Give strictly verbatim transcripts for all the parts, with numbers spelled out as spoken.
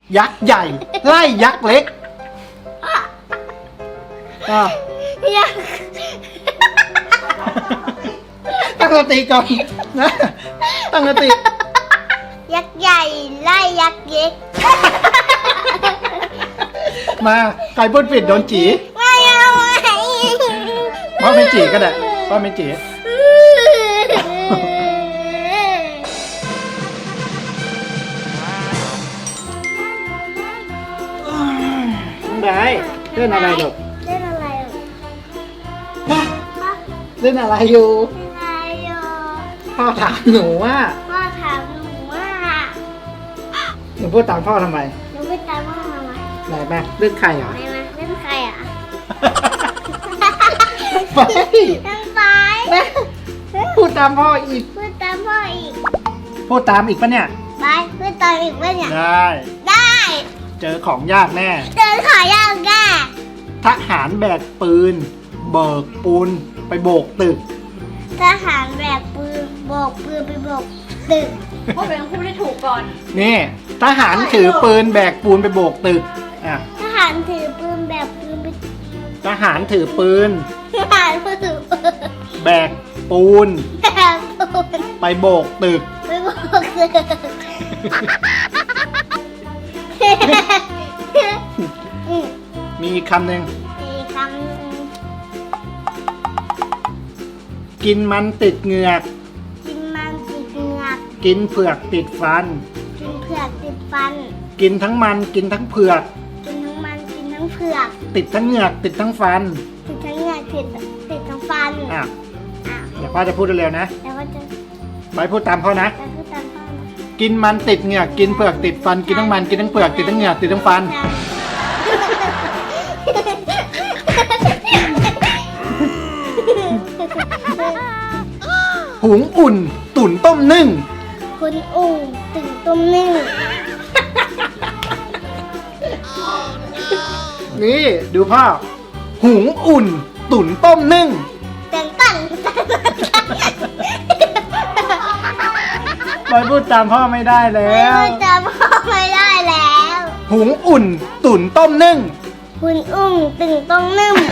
ยักษ์ใหญ่ไล่ยักษ์เล็กอ่ะยักษ์ตั้งสติก่อนนะตั้งสติยักษ์ใหญ่ไล่ยักษ์เล็กมาใครพูดผิดโดนจีไม่เอาไว้พ่อไม่จีก็ได้พ่อไม่จีได้เล่นอะไรลูกเล่นอะไรอ่ะเล่นอะไรอยู่เล่นอะไรอ่ะพ่อถามหนูว่าพ่อถามหนูว่าหนูพูดตามพ่อทำไมหนูไม่ตามพ่อมาไหมไหนแม่เล่นใครเหรอไม่มาเล่นใครอ่ะไปเล่นไฟแม่พูดตามพ่ออีกพูดตามพ่ออีกพูดตามอีกปะเนี่ยไปพูดตามอีกว่าเนี่ยได้ได้เจอของยากแน่เดินขายาวแก่ทหารแบกปืน เบิกปูนไปโบกตึกทหารแบกปืนโบกปืนไปโบกตึกพวกเราต้องพูดให้ถูกก่อนนี่ทหารถือปืนแบกปูนไปโบกตึกอ่ะทหารถือปืนแบกปืนไปทหารถือปืนทหารถือปืนแบกปูนแบกปืนไปโบกตึกไปโบกตึกอืมมีอีกคำหนึ่งอีกคำหนึ่งกินมันติดเหงือกกินมันติดเหงือกกินเผือกติดฟันกินเผือกติดฟันกินทั้งมันกินทั้งเผือกกินทั้งมันกินทั้งเผือกติดทั้งเหงือกติดทั้งฟันติดทั้งเหงือกติดติดทั้งฟันอ่ะอ่ะเดี๋ยวพ่อจะพูดเร็วๆนะแล้วก็จะไปพูดตามพ่อนะจะพูดตามพ่อนะกินมันติดเหงือกกินเผือกติดฟันกินทั้งมันกินทั้งเผือกติดทั้งเหงือกติดทั้งฟัน หุงอุ่น ตุ๋นต้มนึ่งคุณอุ่งตึงตุ้มนึ่งนี่ดูพ่อ หุงอุ่น ตุ๋นต้มนึ่งเต้นปั่นไปพูดตามพ่อไม่ได้แล้ไม่วรู้จำพ่อไม่ได้แล้วหุงอุ่น ตุ๋นต้มนึ่งคุณอุ่งตึงต้มนึ่ง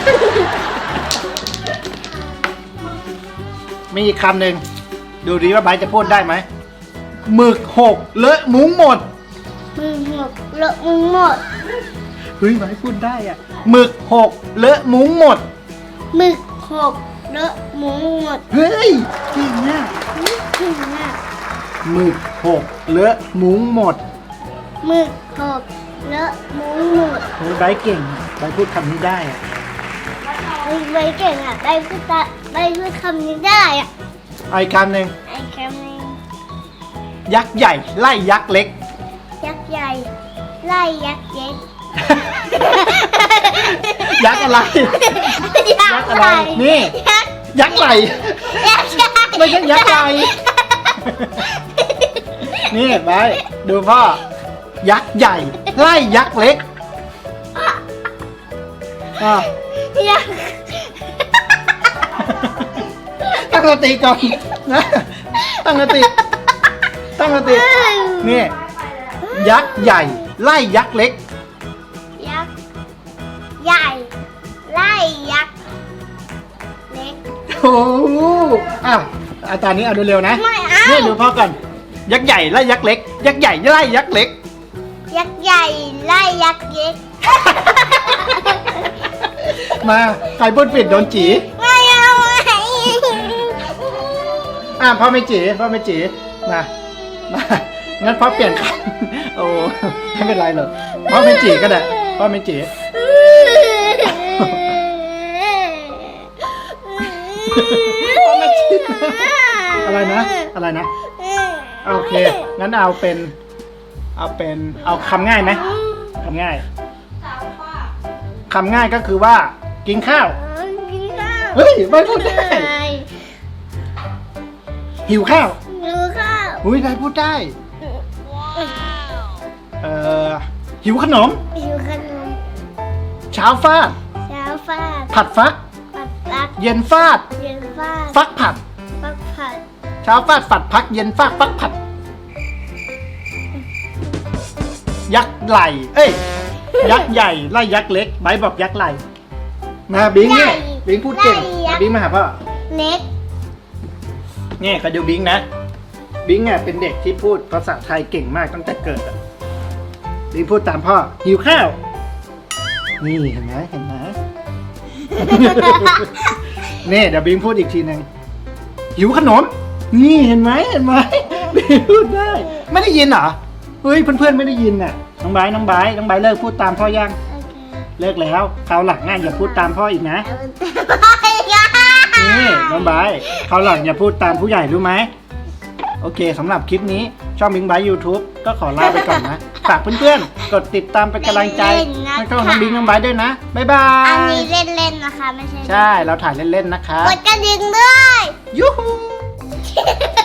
มีอีกคำหนึ่งดูดีว่าไบร์ทจะพูดได้ไหมหมึกหกเลอะมุ้งหมดมึงหมดเลอะมึงหมดเฮ้ยไบร์ทพูดได้อะหมึกหกเลอะมุ้งหมดหมึกหกเลอะหมูหมดเฮ้ยจริงนะถึงอ่ะหมึกหกเลอะมุ้งหมดหมึกหกเลอะหมูหมดเฮ้ยไบร์ทเก่งไบร์ทพูดคำนี้ได้อะไอ้ใบเก่งอ่ะได้พูดตาได้พูดคำนี้ได้อ่ะเอาอีกคำหนึ่งไอ้คำนี้ยักษ์ใหญ่ไล่ยักษ์เล็กยักษ์ใหญ่ไล่ยักษ์เล็กยักษ์อะไร ยักษ์อะไรนี่ยักษ์ยักษ์ไหลยักษ์ใหญ่ไม่ใช่ยักษ์ไหลนี่ไปดูพ่อ ยักษ์ใหญ่ไล่ยักษ์เล็กอ่ะยักษ์ตั้งสติก่อนนะตั้งสติตั้งสตินี่ยักษ์ใหญ่ไล่ยักษ์เล็กยักษ์ใหญ่ไล่ยักษ์เล็กโอ้โหอ้าวอาจารย์นี้เอาดูเร็วนะไม่เอานี่ดูพ่อก่อนยักษ์ใหญ่ไล่ยักษ์เล็ก ยักษ์ใหญ่ไล่ยักษ์เล็กยักษ์ใหญ่ไล่ยักษ์เล็กมาใครพูดผิดโดนจีไม่เอาไว้อ่ะพ่อไม่จีพ่อไม่จีมามางั้นพ่อเปลี่ยนคำโอ้ไม่เป็นไรหรอกพ่อไม่จีก็ได้พ่อไม่จีพ่อไม่จีอะไรนะอะไรนะโอเคงั้นเอาเป็น เอาเป็นเอาคำง่ายไหมคำง่ายคำง่ายก็คือว่า กินข้าวกินข้าวเฮ้ยไม่พูดได้ หิวข้าวหิวข้าวอุ้ยได้พูดได้ เอ่อ หิวขนมหิวขนมเช้าฟาดเช้าฟาดผัดฟักปัดรักเย็นฟาดเย็นฟาดฟักผัดปักผัดเช้าฟาดฝัดพัก เย็นฟาดฟักผัดยักษ์ไหลเอ้ยยักษ์ใหญ่ไล่ยักษ์เล็กไบร์ทบอกยักษ์ไหลมาบิงเนี่ยบิงพูดเก่งมาบิงมาหาพ่อเล็กเนี่ยก็ดูบิงนะบิงอ่ะเป็นเด็กที่พูดภาษาไทยเก่งมากตั้งแต่เกิดอ่ะบิงพูดตามพ่อหิวข้าวนี่เห็นไหมเห็นไหม นี่เดี๋ยวบิงพูดอีกทีหนึ่งหิวขนมนี่เห็นไหมเห็นไหมบิงพูดได้ไม่ได้ยินเหรอเฮ้ยเพื่อนๆไม่ได้ยินน่ะน้องไบร์ทน้องไบร์ทน้องไบร์ทเลิกพูดตามพ่อยังโอเคเลิกแล้วคราวหลังอ่ะอย่าพูดตามพ่ออีกนะเอาไปนี่น้องไบร์ทคราวหลังอย่าพูดตามผู้ใหญ่รู้ไหมโอเคสำหรับคลิปนี้ช่องบิงไบร์ท YouTube ก็ขอลาไปก่อนนะฝากเพื่อนๆกดติดตามเป็นกำลังใจให้ช่องน้องบิงน้องไบร์ทด้วยนะบ๊ายบาอันยนี้เล่นๆนะคะไม่ใช่ใช่เราถ่ายเล่นๆนะคะกดกระดิ่งด้วยยูฮู